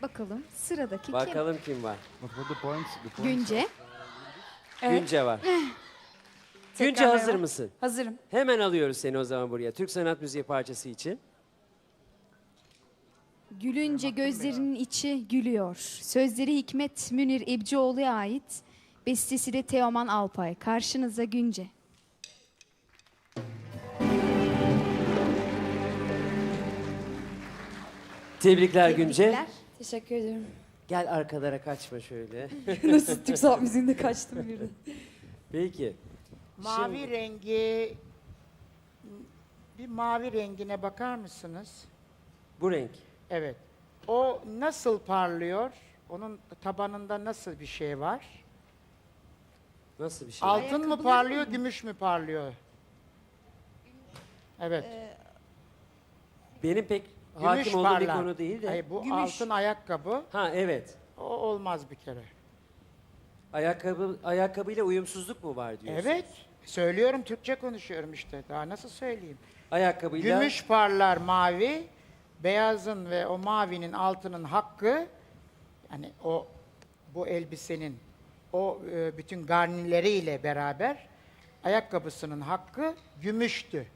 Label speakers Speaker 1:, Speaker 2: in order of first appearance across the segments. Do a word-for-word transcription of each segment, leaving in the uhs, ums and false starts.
Speaker 1: Bakalım sıradaki kim?
Speaker 2: Bakalım kim var?
Speaker 3: What were the points? The points
Speaker 1: Günce.
Speaker 2: Günce var. Günce
Speaker 4: Tekrar
Speaker 2: hazır
Speaker 4: merhaba.
Speaker 2: mısın?
Speaker 4: Hazırım.
Speaker 2: Hemen alıyoruz seni o zaman buraya. Türk sanat müziği parçası için.
Speaker 1: Gülünce gözlerinin içi gülüyor. Sözleri Hikmet Münir İbcioğlu'ya ait. Bestesi de Teoman Alpay. Karşınıza Günce.
Speaker 2: Tebrikler Günce.
Speaker 1: Tebrikler.
Speaker 4: Teşekkür ederim.
Speaker 2: Gel arkalara kaçma şöyle.
Speaker 4: Nasıl Türk sanat müziğinde kaçtım birden.
Speaker 2: Peki.
Speaker 5: Mavi
Speaker 2: Şimdi-
Speaker 5: rengi, bir mavi rengine bakar mısınız?
Speaker 2: Bu renk.
Speaker 5: Evet. O nasıl parlıyor? Onun tabanında nasıl bir şey var?
Speaker 2: Nasıl bir şey?
Speaker 5: Altın mı
Speaker 1: Ayakkabılar
Speaker 5: parlıyor, gümüş mü parlıyor? Evet.
Speaker 2: Benim pek
Speaker 5: Gümüş
Speaker 2: hakim olduğum bir
Speaker 5: parlar.
Speaker 2: konu değil de.
Speaker 5: Hayır, bu
Speaker 1: Gümüş.
Speaker 5: altın ayakkabı.
Speaker 2: Ha evet.
Speaker 5: O olmaz bir kere.
Speaker 2: Ayakkabı ayakkabıyla uyumsuzluk mu var diyorsun?
Speaker 5: Evet. Söylüyorum, Türkçe konuşuyorum işte. Daha nasıl söyleyeyim?
Speaker 2: Ayakkabıyla
Speaker 5: Gümüş parlar mavi, beyazın ve o mavinin altının hakkı, yani o bu elbisenin o e, bütün garnileriyle beraber ayakkabısının hakkı gümüştü.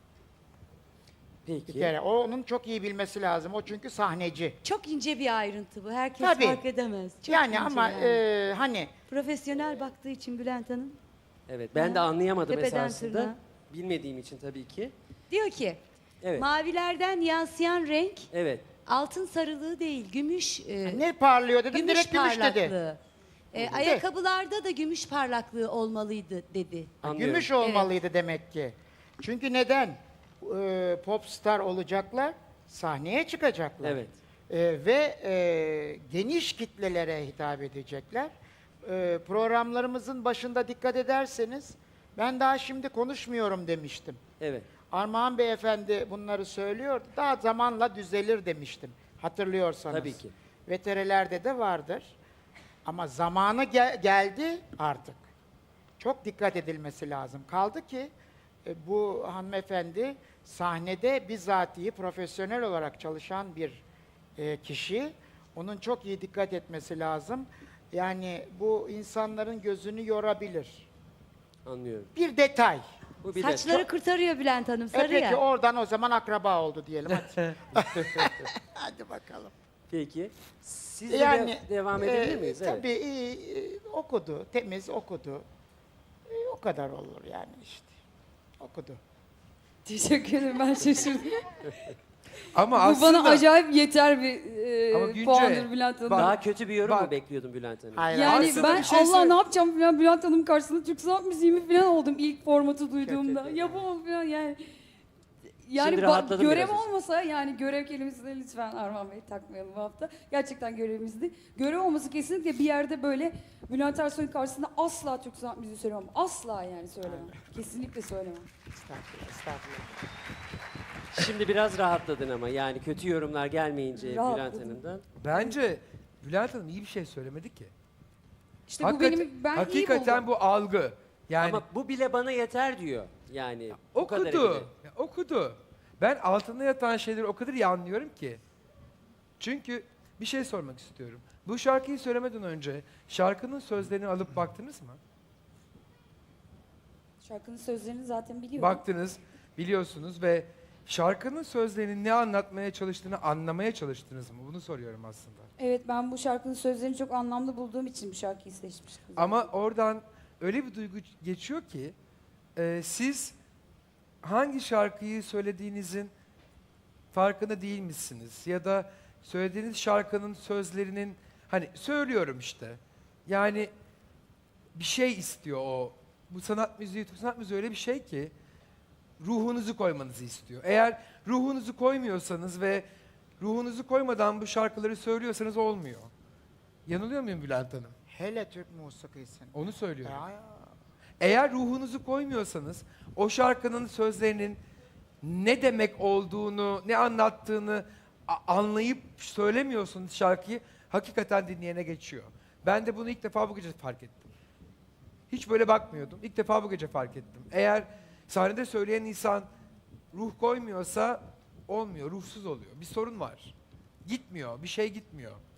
Speaker 5: Bir
Speaker 2: peki.
Speaker 5: kere o onun çok iyi bilmesi lazım. O çünkü sahneci.
Speaker 6: Çok ince bir ayrıntı bu. Herkes
Speaker 5: Tabii.
Speaker 6: fark edemez. Çok
Speaker 5: yani
Speaker 6: ince
Speaker 5: ama
Speaker 6: yani.
Speaker 5: e, hani
Speaker 6: Profesyonel baktığı için Bülent Hanım
Speaker 2: Evet ben de anlayamadım
Speaker 6: Tepeden
Speaker 2: esasında.
Speaker 6: tırnağa.
Speaker 2: Bilmediğim için tabii ki.
Speaker 6: diyor ki
Speaker 2: Evet.
Speaker 6: mavilerden yansıyan renk
Speaker 2: Evet.
Speaker 6: altın sarılığı değil, gümüş e,
Speaker 5: ne parlıyor dedim,
Speaker 6: gümüş
Speaker 5: direkt gümüş dedi.
Speaker 6: parlaklığı. E, ayakkabılarda da gümüş parlaklığı olmalıydı dedi.
Speaker 2: Anlıyorum.
Speaker 5: Gümüş olmalıydı demek ki. Çünkü neden? Ee, popstar olacaklar, sahneye çıkacaklar.
Speaker 2: Evet.
Speaker 5: Ee, ve e, geniş kitlelere hitap edecekler. Ee, programlarımızın başında dikkat ederseniz, ben daha şimdi konuşmuyorum demiştim.
Speaker 2: Evet.
Speaker 5: Armağan Beyefendi bunları söylüyor, daha zamanla düzelir demiştim. Hatırlıyorsanız.
Speaker 2: Tabii ki.
Speaker 5: Veterilerde de vardır. Ama zamanı gel- geldi artık. Çok dikkat edilmesi lazım. Kaldı ki e, bu hanımefendi sahnede bizatihi profesyonel olarak çalışan bir e, kişi. Onun çok iyi dikkat etmesi lazım. Yani bu insanların gözünü yorabilir.
Speaker 2: Anlıyorum.
Speaker 5: Bir detay.
Speaker 2: Bu bir de
Speaker 6: Saçları kurtarıyor Bülent Hanım,
Speaker 5: E
Speaker 6: sarı
Speaker 5: peki
Speaker 6: ya.
Speaker 5: oradan o zaman akraba oldu diyelim. Hadi, hadi bakalım.
Speaker 2: Peki. Siz de
Speaker 5: Yani
Speaker 2: de- devam edebilir
Speaker 5: e,
Speaker 2: miyiz? Evet.
Speaker 5: Tabii e, e, okudu, temiz okudu. E, o kadar olur yani işte. Okudu.
Speaker 4: Teşekkür ederim, ben şaşırdım.
Speaker 3: Ama
Speaker 4: Bu
Speaker 3: aslında
Speaker 4: bana acayip yeter bir
Speaker 3: Ama
Speaker 4: e,
Speaker 3: Günce,
Speaker 4: puandır Bülent Hanım.
Speaker 3: bak-
Speaker 2: Daha kötü bir yorum mu
Speaker 3: Bak-
Speaker 2: bekliyordun Bülent Hanım?
Speaker 5: Hayır,
Speaker 4: Yani
Speaker 3: Aslında
Speaker 4: ben
Speaker 3: bir şey
Speaker 4: Allah
Speaker 3: söyle-
Speaker 4: ne yapacağım falan Bülent Hanım karşısında Türk sanat müziği mi falan oldum ilk formatı duyduğumda.
Speaker 5: Kötü.
Speaker 4: Yapamam falan yani. Yani
Speaker 2: Şimdi
Speaker 4: ba-
Speaker 2: rahatladım
Speaker 4: görev
Speaker 2: biraz.
Speaker 4: olmasa, yani görev kelimesini lütfen Armağan Bey takmayalım bu hafta. Gerçekten görevimizdi. Görev olması kesinlikle bir yerde böyle Bülent Ersoy'un karşısında asla Türk sanat müziği söylemem. Asla yani söylemem. Kesinlikle söylemem.
Speaker 5: Estağfurullah, estağfurullah.
Speaker 2: Şimdi biraz rahatladın ama yani kötü yorumlar gelmeyince Bülent
Speaker 4: Rahatladım.
Speaker 2: Hanım'dan.
Speaker 3: bence Bülent Hanım iyi bir şey söylemedi ki.
Speaker 4: İşte bu
Speaker 3: Hakikaten-
Speaker 4: benim, ben iyi
Speaker 3: hakikaten
Speaker 4: buldum.
Speaker 3: bu algı. Yani
Speaker 2: Ama bu bile bana yeter diyor. Yani bu kadar
Speaker 3: okudu.
Speaker 2: bile.
Speaker 3: Ya, okudu. Ben altında yatan şeyleri o kadar iyi anlıyorum ki. Çünkü bir şey sormak istiyorum. Bu şarkıyı söylemeden önce şarkının sözlerini alıp baktınız mı?
Speaker 4: Şarkının sözlerini zaten biliyorum.
Speaker 3: Baktınız, biliyorsunuz ve şarkının sözlerinin ne anlatmaya çalıştığını anlamaya çalıştınız mı? Bunu soruyorum aslında.
Speaker 4: Evet, ben bu şarkının sözlerini çok anlamlı bulduğum için bu şarkıyı seçmiştim.
Speaker 3: Ama oradan öyle bir duygu geçiyor ki e, siz hangi şarkıyı söylediğinizin farkında değil misiniz? Ya da söylediğiniz şarkının sözlerinin hani söylüyorum işte. Yani bir şey istiyor o. Bu sanat müziği, sanat müziği öyle bir şey ki ruhunuzu koymanızı istiyor. Eğer ruhunuzu koymuyorsanız ve ruhunuzu koymadan bu şarkıları söylüyorsanız olmuyor. Yanılıyor muyum Bülent Hanım?
Speaker 5: Hele Türk musikisini.
Speaker 3: Onu söylüyorum.
Speaker 5: Ya, ya.
Speaker 3: Eğer ruhunuzu koymuyorsanız o şarkının sözlerinin ne demek olduğunu, ne anlattığını a- anlayıp söylemiyorsunuz şarkıyı, hakikaten dinleyene geçiyor. Ben de bunu ilk defa bu gece fark ettim. Hiç böyle bakmıyordum. İlk defa bu gece fark ettim. Eğer sahnede söyleyen insan ruh koymuyorsa olmuyor, ruhsuz oluyor. Bir sorun var. Gitmiyor, bir şey gitmiyor.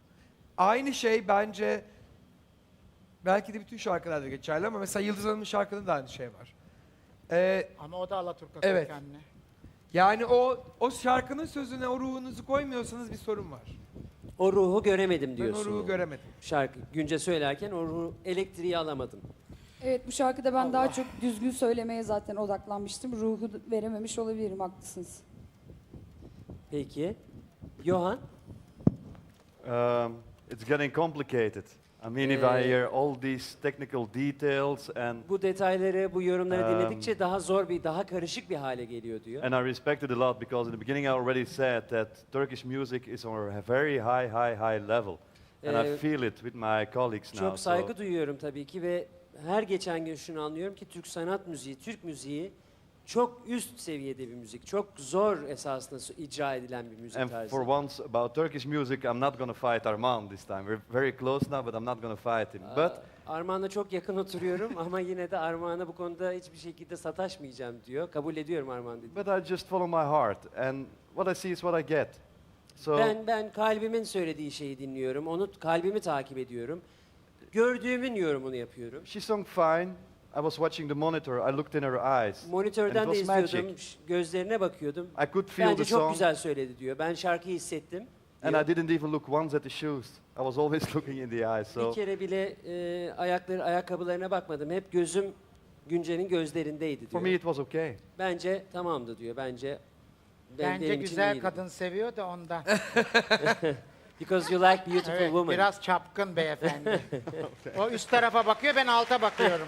Speaker 3: Aynı şey bence belki de bütün şarkılarda geçerli ama mesela Yıldız Hanım'ın şarkılarında da aynı şey var. Ee,
Speaker 5: Ama o da Alaturka
Speaker 3: Evet.
Speaker 5: kökenli.
Speaker 3: yani o o şarkının sözüne o ruhunuzu koymuyorsanız bir sorun var.
Speaker 2: O ruhu göremedim
Speaker 3: Ben
Speaker 2: diyorsun.
Speaker 3: o ruhu
Speaker 2: yani.
Speaker 3: göremedim.
Speaker 2: Şarkı Günce söylerken o ruhu, elektriği alamadım.
Speaker 4: Evet, bu şarkıda ben daha çok düzgün söylemeye zaten odaklanmıştım. Ruhu verememiş olabilirim, haklısınız.
Speaker 2: Peki. Johan?
Speaker 7: Um, it's getting complicated. I mean, if I
Speaker 2: Eh.
Speaker 7: hear all these technical details and
Speaker 2: Bu detayları, bu yorumları
Speaker 7: Um,
Speaker 2: dinledikçe daha zor bir, daha karışık bir hale geliyor diyor.
Speaker 7: and I respect it a lot because in the beginning I already said that Turkish music is on a very high, high, high level, and I
Speaker 2: Eh,
Speaker 7: feel it with my colleagues now.
Speaker 2: Çok saygı
Speaker 7: so
Speaker 2: duyuyorum tabii ki ve her geçen gün şunu anlıyorum ki Türk sanat müziği, Türk müziği çok üst seviyede bir müzik. Çok zor esasında so- icra edilen bir müzik
Speaker 7: and
Speaker 2: tarzı.
Speaker 7: for once about Turkish music, I'm not gonna fight Armand this time. We're very close now, but I'm not gonna fight him. But
Speaker 2: Aa, Armağan'la çok yakın oturuyorum ama yine de Armağan'a bu konuda hiçbir şekilde sataşmayacağım diyor. Kabul ediyorum Armağan dedi.
Speaker 7: but I just follow my heart, and what I see is what I get. So
Speaker 2: Ben ben kalbimin söylediği şeyi dinliyorum. Onu kalbimi takip ediyorum. Gördüğümün yorumunu yapıyorum.
Speaker 7: she sung fine. I was watching the monitor. I looked in her eyes.
Speaker 2: Monitörden
Speaker 7: And
Speaker 2: de
Speaker 7: it was
Speaker 2: izliyordum.
Speaker 7: magic.
Speaker 2: ş- Gözlerine bakıyordum.
Speaker 7: I could feel
Speaker 2: Bence
Speaker 7: the
Speaker 2: çok
Speaker 7: song,
Speaker 2: güzel söyledi diyor. Ben şarkıyı hissettim.
Speaker 7: and
Speaker 2: diyor.
Speaker 7: I didn't even look once at the shoes. I was always looking in the eyes. So
Speaker 2: Bir kere bile e, ayakları ayakkabılarına bakmadım. Hep gözüm Günce'nin gözlerindeydi
Speaker 7: for
Speaker 2: diyor.
Speaker 7: me, it was okay.
Speaker 2: Bence tamamdı diyor. Bence ben-
Speaker 5: Bence
Speaker 2: benim için
Speaker 5: güzel
Speaker 2: iyiydi.
Speaker 5: kadın seviyor da ondan.
Speaker 2: Because you like beautiful
Speaker 5: Evet,
Speaker 2: women.
Speaker 5: biraz çapkın beyefendi. O üst tarafa bakıyor, ben alta bakıyorum.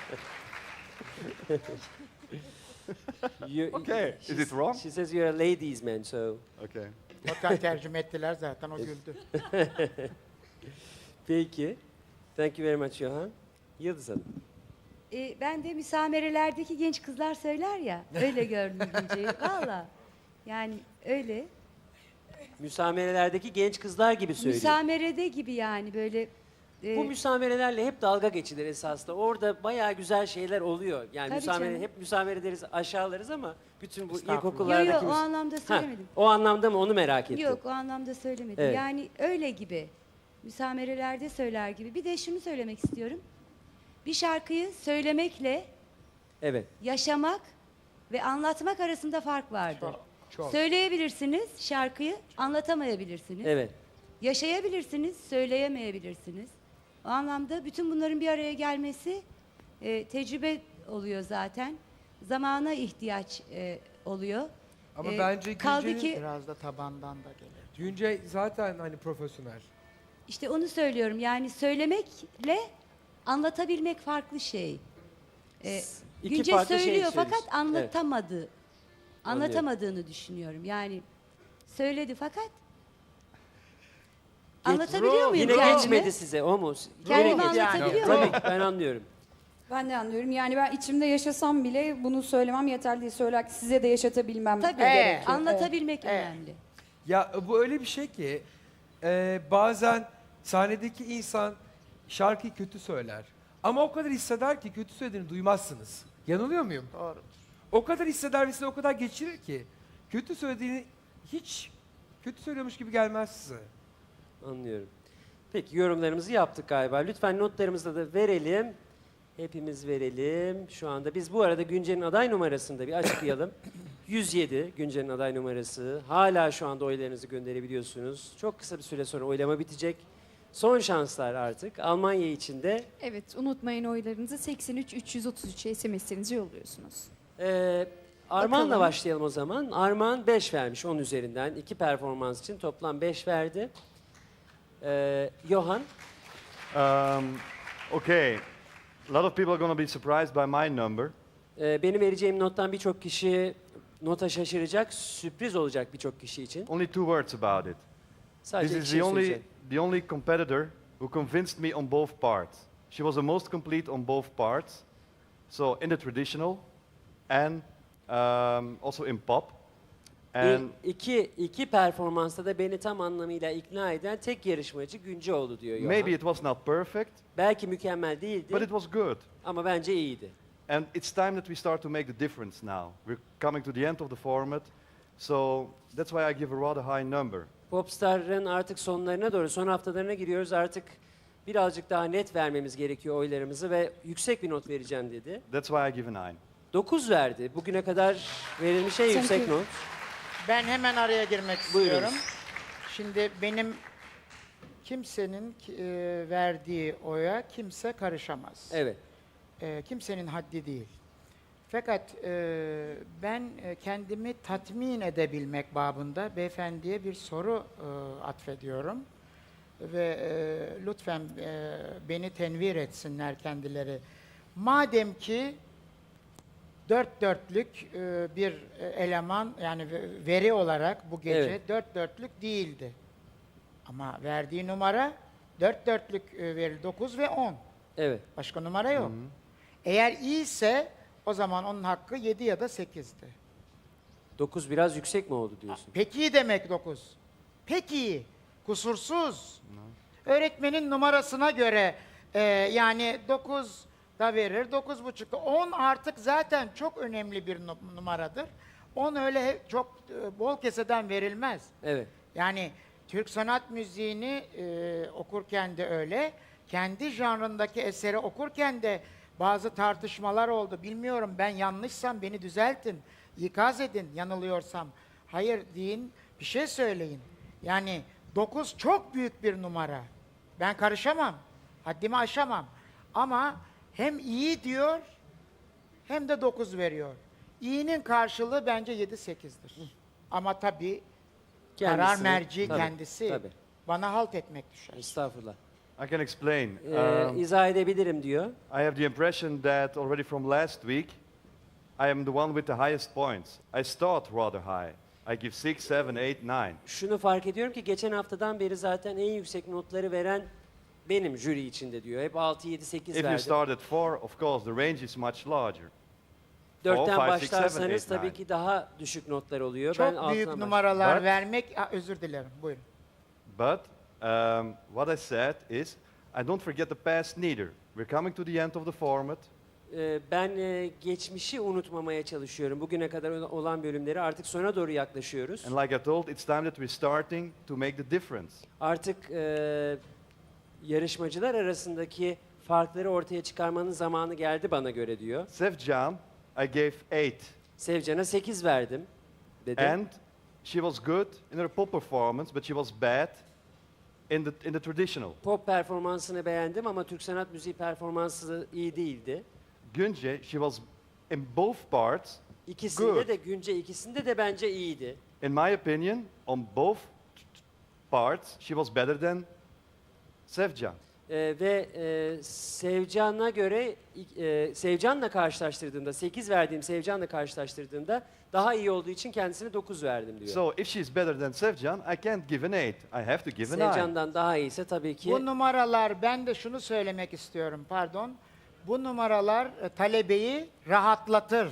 Speaker 2: You-
Speaker 7: Okay. Is
Speaker 2: she's-
Speaker 7: it wrong?
Speaker 2: She says you're a ladies man, so.
Speaker 7: Okay.
Speaker 5: Otel tercüme ettiler zaten, o güldü.
Speaker 2: Peki. Thank you very much Johan. Yıldız Hanım.
Speaker 6: E, ben de müsamerelerdeki genç kızlar söyler ya. Öyle gördüm Günce'yi. Valla. Yani öyle.
Speaker 2: Müsamerelerdeki genç kızlar gibi söylüyor.
Speaker 6: Müsamerede gibi yani böyle. e,
Speaker 2: Bu müsamerelerle hep dalga geçilir esasında. Orada bayağı güzel şeyler oluyor. Yani
Speaker 6: Tabii
Speaker 2: müsamere,
Speaker 6: canım.
Speaker 2: hep müsamere deriz, aşağılarız ama bütün bu
Speaker 5: Estağfurullah.
Speaker 6: Yo
Speaker 2: ilkokullardaki...
Speaker 6: yo o
Speaker 2: müs-
Speaker 6: anlamda
Speaker 2: Ha,
Speaker 6: söylemedim.
Speaker 2: o anlamda mı onu merak ettim.
Speaker 6: Yok o anlamda söylemedim.
Speaker 2: Evet.
Speaker 6: Yani öyle gibi. Müsamerelerde söyler gibi. Bir de şunu söylemek istiyorum. Bir şarkıyı söylemekle
Speaker 2: Evet.
Speaker 6: yaşamak ve anlatmak arasında fark vardır.
Speaker 5: Çok, çok.
Speaker 6: Söyleyebilirsiniz şarkıyı, anlatamayabilirsiniz.
Speaker 2: Evet.
Speaker 6: Yaşayabilirsiniz, söyleyemeyebilirsiniz. O anlamda bütün bunların bir araya gelmesi e, tecrübe oluyor zaten. Zamana ihtiyaç e, oluyor.
Speaker 3: Ama
Speaker 6: E,
Speaker 3: bence
Speaker 6: kaldı
Speaker 3: Günce'nin-
Speaker 6: ki
Speaker 5: Biraz da tabandan da gelir.
Speaker 3: Günce zaten hani profesyonel.
Speaker 6: işte onu söylüyorum. Yani söylemekle anlatabilmek farklı şey. E,
Speaker 2: İki
Speaker 6: Günce
Speaker 2: farklı şey
Speaker 6: söylüyor
Speaker 2: söylüyorsun.
Speaker 6: fakat anlatamadı.
Speaker 2: Anlıyorum.
Speaker 6: Anlatamadığını düşünüyorum. Yani söyledi fakat anlatabiliyor muyum
Speaker 2: Yine
Speaker 6: kendimi?
Speaker 2: geçmedi size o mu?
Speaker 6: Kendimi
Speaker 2: Yine geç-
Speaker 6: anlatabiliyor
Speaker 2: Tabii
Speaker 6: muyum?
Speaker 2: ki, ben anlıyorum.
Speaker 4: Ben de anlıyorum. Yani ben içimde yaşasam bile bunu söylemem yeterli değil. Söyler ki size de yaşatabilmem
Speaker 6: Tabii
Speaker 4: gerekiyor.
Speaker 6: anlatabilmek
Speaker 5: Evet.
Speaker 6: önemli.
Speaker 3: Ya bu öyle bir şey ki e, bazen sahnedeki insan şarkıyı kötü söyler. Ama o kadar hisseder ki kötü söylediğini duymazsınız. Yanılıyor muyum?
Speaker 5: Doğru.
Speaker 3: O kadar hisseder ve size o kadar geçirir ki kötü söylediğini hiç kötü söylüyormuş gibi gelmez size.
Speaker 2: Anlıyorum. Peki yorumlarımızı yaptık galiba. Lütfen notlarımızı da verelim. Hepimiz verelim. Şu anda biz bu arada Günce'nin aday numarasını da bir açıklayalım. yüz yedi Günce'nin aday numarası. Hala şu anda oylarınızı gönderebiliyorsunuz. Çok kısa bir süre sonra oylama bitecek. Son şanslar artık. Almanya için de
Speaker 1: Evet, unutmayın oylarınızı seksen üç üç yüz otuz üçe S M S'lerinizi yolluyorsunuz.
Speaker 2: Ee, Arman'la
Speaker 1: Bakalım.
Speaker 2: başlayalım o zaman. Arman beş vermiş on üzerinden. İki performans için toplam beş verdi. Ee, Johan,
Speaker 7: Um, okay. A lot of people are going to be surprised by my number.
Speaker 2: e, benim vereceğim nottan birçok kişi nota şaşıracak, sürpriz olacak birçok kişi için.
Speaker 7: Only two words about it.
Speaker 2: Sadece
Speaker 7: This
Speaker 2: iki
Speaker 7: is
Speaker 2: şey
Speaker 7: the only,
Speaker 2: söyleyeceğim.
Speaker 7: the only competitor who convinced me on both parts. She was the most complete on both parts. So in the traditional and um, also in pop. And
Speaker 2: İ- iki, iki performansta da beni tam anlamıyla ikna eden tek yarışmacı Günceoğlu diyor Johan.
Speaker 7: maybe it was not perfect,
Speaker 2: Belki mükemmel değildi
Speaker 7: but it was good.
Speaker 2: ama bence iyiydi.
Speaker 7: And it's time that we start to make the difference now. We're coming to the end of the format. So that's why I give a rather high number.
Speaker 2: Popstar'ın artık sonlarına doğru, son haftalarına giriyoruz. Artık birazcık daha net vermemiz gerekiyor oylarımızı ve yüksek bir not vereceğim dedi.
Speaker 7: That's why I give a nine.
Speaker 2: dokuz verdi. Bugüne kadar verilmiş en yüksek
Speaker 4: you.
Speaker 2: not.
Speaker 5: Ben hemen araya girmek
Speaker 2: Buyurunuz.
Speaker 5: istiyorum. Şimdi benim kimsenin e, verdiği oya kimse karışamaz.
Speaker 2: Evet.
Speaker 5: E, kimsenin haddi değil. Fakat e, ben e, kendimi tatmin edebilmek babında beyefendiye bir soru e, atfediyorum. Ve e, lütfen e, beni tenvir etsinler kendileri. Madem ki dört dörtlük e, bir e, eleman yani ve- veri olarak bu gece
Speaker 2: Evet.
Speaker 5: dört dörtlük değildi. Ama verdiği numara dört dörtlük e, veri dokuz ve on.
Speaker 2: Evet.
Speaker 5: Başka numara yok. Eğer iyiyse o zaman onun hakkı yedi ya da sekizdi.
Speaker 2: dokuz biraz yüksek mi oldu diyorsun?
Speaker 5: Peki iyi demek dokuz. Peki iyi, kusursuz. Öğretmenin numarasına göre e, yani dokuz da verir, dokuz buçuk da. on artık zaten çok önemli bir nu- numaradır. on öyle he- çok e, bol keseden verilmez.
Speaker 2: Evet.
Speaker 5: Yani Türk sanat müziğini e, okurken de öyle, kendi janrındaki eseri okurken de bazı tartışmalar oldu. Bilmiyorum, ben yanlışsam beni düzeltin, ikaz edin yanılıyorsam. Hayır deyin, bir şey söyleyin. Yani dokuz çok büyük bir numara. Ben karışamam, haddimi aşamam. Ama hem iyi diyor hem de dokuz veriyor. İyinin karşılığı bence yedi sekizdir. Ama tabii karar
Speaker 2: Kendisi-
Speaker 5: merci
Speaker 2: Tabii,
Speaker 5: kendisi.
Speaker 2: Tabii.
Speaker 5: Bana halt etmek düşer.
Speaker 2: Estağfurullah.
Speaker 7: I can explain.
Speaker 2: Ee,
Speaker 7: Um,
Speaker 2: izah edebilirim diyor.
Speaker 7: I have the impression that already from last week, I am the one with the highest points. I start rather high. I give six, seven, eight, nine.
Speaker 2: Şunu fark ediyorum ki geçen haftadan beri zaten en yüksek notları veren benim jüri içinde diyor. Hep altı, yedi, sekiz
Speaker 7: If you
Speaker 2: verdim.
Speaker 7: start at four, of course, the range is much larger.
Speaker 2: Dörtten
Speaker 7: four, five, six, seven,
Speaker 2: başlarsanız
Speaker 7: eight,
Speaker 2: tabii
Speaker 7: nine.
Speaker 2: ki daha düşük notlar oluyor.
Speaker 5: Çok
Speaker 2: ben
Speaker 5: büyük
Speaker 2: altından başlıyorum.
Speaker 5: numaralar
Speaker 7: But-
Speaker 5: vermek, Aa, özür dilerim, buyurun.
Speaker 7: But um, what I said is, I don't forget the past neither. We're coming to the end of the format.
Speaker 2: Ee, ben e, geçmişi unutmamaya çalışıyorum. Bugüne kadar olan bölümleri artık sona doğru yaklaşıyoruz.
Speaker 7: And like I told, it's time that we're starting to make the difference.
Speaker 2: Artık e, yarışmacılar arasındaki farkları ortaya çıkarmanın zamanı geldi bana göre diyor.
Speaker 7: Sevjan, I gave eight.
Speaker 2: Sevcan'a sekiz verdim dedi.
Speaker 7: And she was good in her pop performance, but she was bad in the, in the traditional.
Speaker 2: Pop performansını beğendim ama Türk sanat müziği performansı iyi değildi.
Speaker 7: Gunje, she was in both parts,
Speaker 2: İkisinde
Speaker 7: Good.
Speaker 2: de Günce ikisinde de bence iyiydi.
Speaker 7: in my opinion, on both parts, she was better than Sevjan.
Speaker 2: Ee, ve e, Sevcan'a göre e, Sevcan'la karşılaştırdığımda sekiz verdiğim Sevcan'la karşılaştırdığımda daha iyi olduğu için kendisine dokuz verdim diyor.
Speaker 7: So if she's better than Sevjan, I can't give an eight. I have to give a nine.
Speaker 2: Sevcan'dan daha iyiyse tabii ki
Speaker 5: Bu numaralar, ben de şunu söylemek istiyorum, pardon. Bu numaralar e, talebeyi rahatlatır.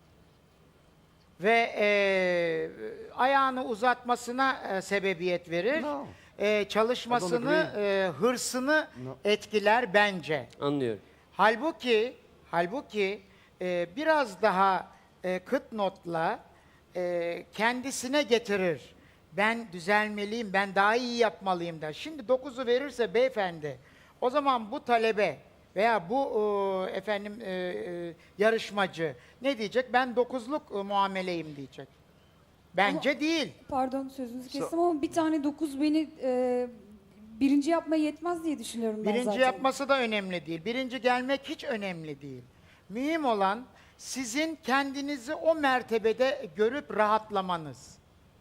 Speaker 5: Ve e, ayağını uzatmasına e, sebebiyet verir.
Speaker 7: No.
Speaker 5: E, çalışmasını, e, hırsını
Speaker 7: No.
Speaker 5: etkiler bence.
Speaker 2: anlıyorum.
Speaker 5: Halbuki, halbuki e, biraz daha e, kıt notla e, kendisine getirir. Ben düzelmeliyim, ben daha iyi yapmalıyım der. Şimdi dokuzu verirse beyefendi, o zaman bu talebe veya bu e, efendim e, e, yarışmacı ne diyecek? Ben dokuzluk e, muameleyim diyecek. Bence değil.
Speaker 4: Pardon sözünüzü kestim ama bir tane dokuz beni e, birinci yapmaya yetmez diye düşünüyorum ben
Speaker 5: Birinci
Speaker 4: zaten.
Speaker 5: yapması da önemli değil. Birinci gelmek hiç önemli değil. Mühim olan sizin kendinizi o mertebede görüp rahatlamanız.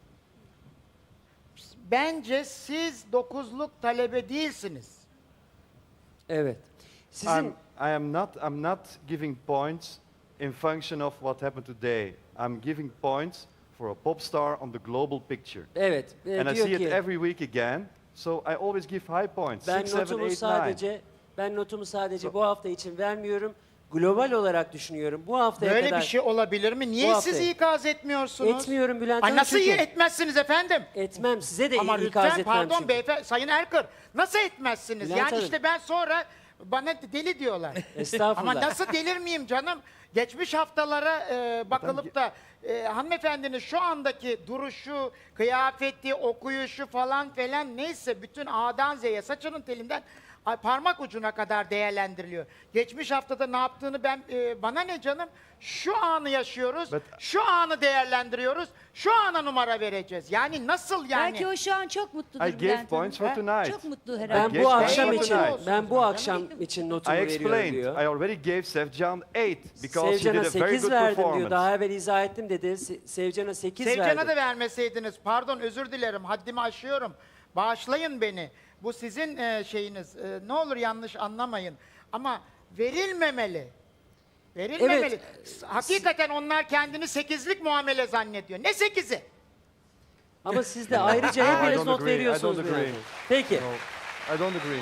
Speaker 5: Bence siz dokuzluk talebe değilsiniz.
Speaker 2: Evet. Sizin
Speaker 7: I'm, I am not, I'm not giving points in function of what happened today. I'm giving points for a pop star on the global picture.
Speaker 2: evet e,
Speaker 7: And I
Speaker 2: diyor
Speaker 7: see it
Speaker 2: ki
Speaker 7: every week again, so I always give high points.
Speaker 2: ben
Speaker 7: Six, seven,
Speaker 2: notumu
Speaker 7: eight, nine.
Speaker 2: sadece ben notumu sadece bu hafta için vermiyorum. Global olarak düşünüyorum. Bu haftaya
Speaker 5: Böyle
Speaker 2: kadar
Speaker 5: bir şey olabilir mi? Niye
Speaker 2: Bu
Speaker 5: siz
Speaker 2: hafta-
Speaker 5: ikaz etmiyorsunuz?
Speaker 2: etmiyorum Bülent
Speaker 5: Ay
Speaker 2: Hanım
Speaker 5: nasıl
Speaker 2: çünkü-
Speaker 5: iyi etmezsiniz efendim?
Speaker 2: etmem. Size de
Speaker 5: Ama
Speaker 2: ikaz
Speaker 5: lütfen
Speaker 2: etmem
Speaker 5: pardon
Speaker 2: çünkü.
Speaker 5: beyefendi, Sayın Erkır nasıl etmezsiniz?
Speaker 2: Bülent
Speaker 5: yani
Speaker 2: Hanım.
Speaker 5: işte ben sonra bana deli diyorlar.
Speaker 2: Estağfurullah.
Speaker 5: Ama nasıl delir miyim canım? Geçmiş haftalara e, bakılıp da e, hanımefendinin şu andaki duruşu, kıyafeti, okuyuşu falan falan neyse bütün A'dan Z'ye saçının telinden ay, parmak ucuna kadar değerlendiriliyor. Geçmiş haftada ne yaptığını ben e, bana ne canım? Şu anı yaşıyoruz,
Speaker 7: But-
Speaker 5: şu anı değerlendiriyoruz, şu ana numara vereceğiz. Yani nasıl yani?
Speaker 6: Belki o şu an çok mutludur
Speaker 7: I gave
Speaker 6: Bülent
Speaker 7: points
Speaker 6: Hanım.
Speaker 7: for tonight.
Speaker 6: Çok mutlu
Speaker 2: Ben
Speaker 6: herhalde.
Speaker 7: Geç-
Speaker 2: bu akşam
Speaker 5: Geç-
Speaker 2: için
Speaker 5: Olsun
Speaker 2: ben bu
Speaker 5: canım.
Speaker 2: akşam için notumu
Speaker 7: I
Speaker 2: veriyorum
Speaker 7: explained.
Speaker 2: diyor.
Speaker 7: I already gave Sevcan eight because she
Speaker 2: Sevcan'a
Speaker 7: did a very
Speaker 2: sekiz
Speaker 7: good
Speaker 2: verdim diyor.
Speaker 7: performance.
Speaker 2: Daha evvel izah ettim dedi. Se- Sevcan'a sekiz verdim.
Speaker 5: Sevcan'a da vermeseydiniz, pardon özür dilerim, haddimi aşıyorum. Bağışlayın beni. Bu sizin e, şeyiniz. E, ne olur yanlış anlamayın. Ama verilmemeli. Verilmemeli.
Speaker 2: Evet.
Speaker 5: S- Hakikaten onlar kendini sekizlik muamele zannediyor. Ne sekizi?
Speaker 2: Ama siz de ayrıca
Speaker 7: No, I
Speaker 2: hepiniz
Speaker 7: don't
Speaker 2: not
Speaker 7: agree. I
Speaker 2: veriyorsunuz.
Speaker 7: don't
Speaker 2: Bülent
Speaker 7: agree.
Speaker 2: Hanım. Peki.
Speaker 7: No, I don't agree.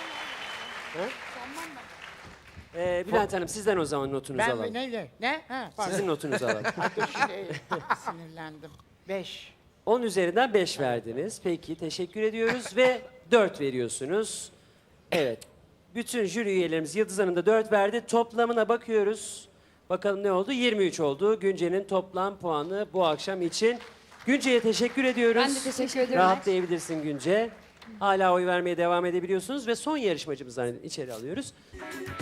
Speaker 2: Ee, Bülent Hanım sizden o zaman notunuzu
Speaker 5: Ben
Speaker 2: alalım.
Speaker 5: ne ne? Ne? Ha, pardon.
Speaker 2: Sizin notunuzu alalım.
Speaker 5: Ay, dur şimdi e, sinirlendim. Beş.
Speaker 2: on üzerinden beş verdiniz. Peki teşekkür ediyoruz ve dört veriyorsunuz. Evet. Bütün jüri üyelerimiz Yıldız Hanım da dört verdi. Toplamına bakıyoruz. Bakalım ne oldu? yirmi üç oldu. Günce'nin toplam puanı bu akşam için. Günce'ye teşekkür ediyoruz.
Speaker 4: Ben de teşekkür ederim.
Speaker 2: Rahatlayabilirsin Günce. Hala oy vermeye devam edebiliyorsunuz ve son yarışmacımızdan içeri alıyoruz.